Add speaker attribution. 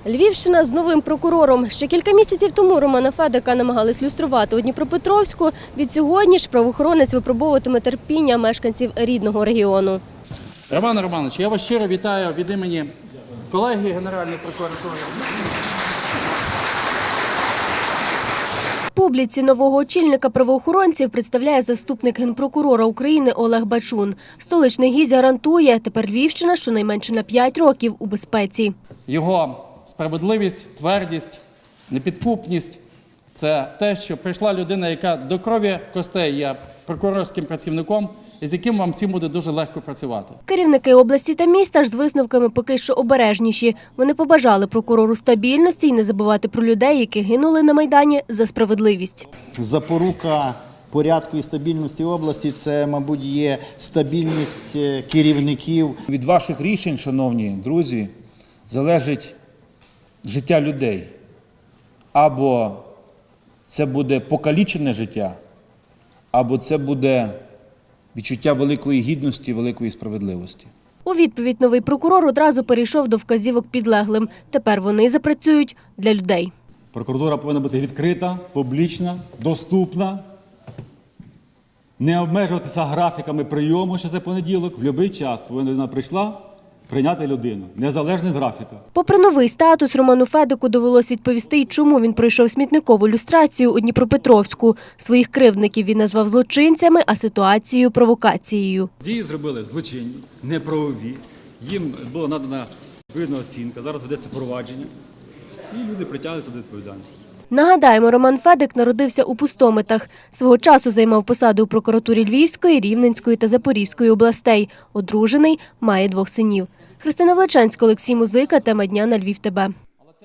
Speaker 1: Львівщина з новим прокурором. Ще кілька місяців тому Романа Федика намагались люструвати у Дніпропетровську. Відсьогодні ж правоохоронець випробовуватиме терпіння мешканців рідного регіону.
Speaker 2: Роман Романович, я вас щиро вітаю від імені колеги Генеральної прокуратури.
Speaker 1: Публіці нового очільника правоохоронців представляє заступник генпрокурора України Олег Бачун. Столичний гість гарантує, тепер Львівщина щонайменше на 5 років у безпеці.
Speaker 2: Його справедливість, твердість, непідкупність – це те, що прийшла людина, яка до крові костей є прокурорським працівником, і з яким вам всім буде дуже легко працювати.
Speaker 1: Керівники області та міста ж з висновками поки що обережніші. Вони побажали прокурору стабільності і не забувати про людей, які гинули на Майдані за справедливість.
Speaker 3: Запорука порядку і стабільності області – це, мабуть, є стабільність керівників.
Speaker 4: Від ваших рішень, шановні друзі, залежить життя людей. Або це буде покалічене життя, або це буде відчуття великої гідності, великої справедливості.
Speaker 1: У відповідь новий прокурор одразу перейшов до вказівок підлеглим. Тепер вони запрацюють для людей.
Speaker 5: Прокуратура повинна бути відкрита, публічна, доступна, не обмежуватися графіками прийому, що це понеділок. В будь-який час повинна людина прийшла прийняти людину, незалежно від графіка.
Speaker 1: Попри новий статус, Роману Федику довелось відповісти, й чому він пройшов смітникову люстрацію у Дніпропетровську. Своїх кривдників він назвав злочинцями, а ситуацію – провокацією.
Speaker 5: Дії зробили злочинні, неправові, їм була надана відповідна оцінка, зараз ведеться провадження, і люди притягнуться до відповідальності.
Speaker 1: Нагадаємо, Роман Федик народився у Пустомитах. Свого часу займав посади у прокуратурі Львівської, Рівненської та Запорізької областей. Одружений, має 2 синів. Христина Влеченська, Олексій Музика. Тема дня на Львів ТБ.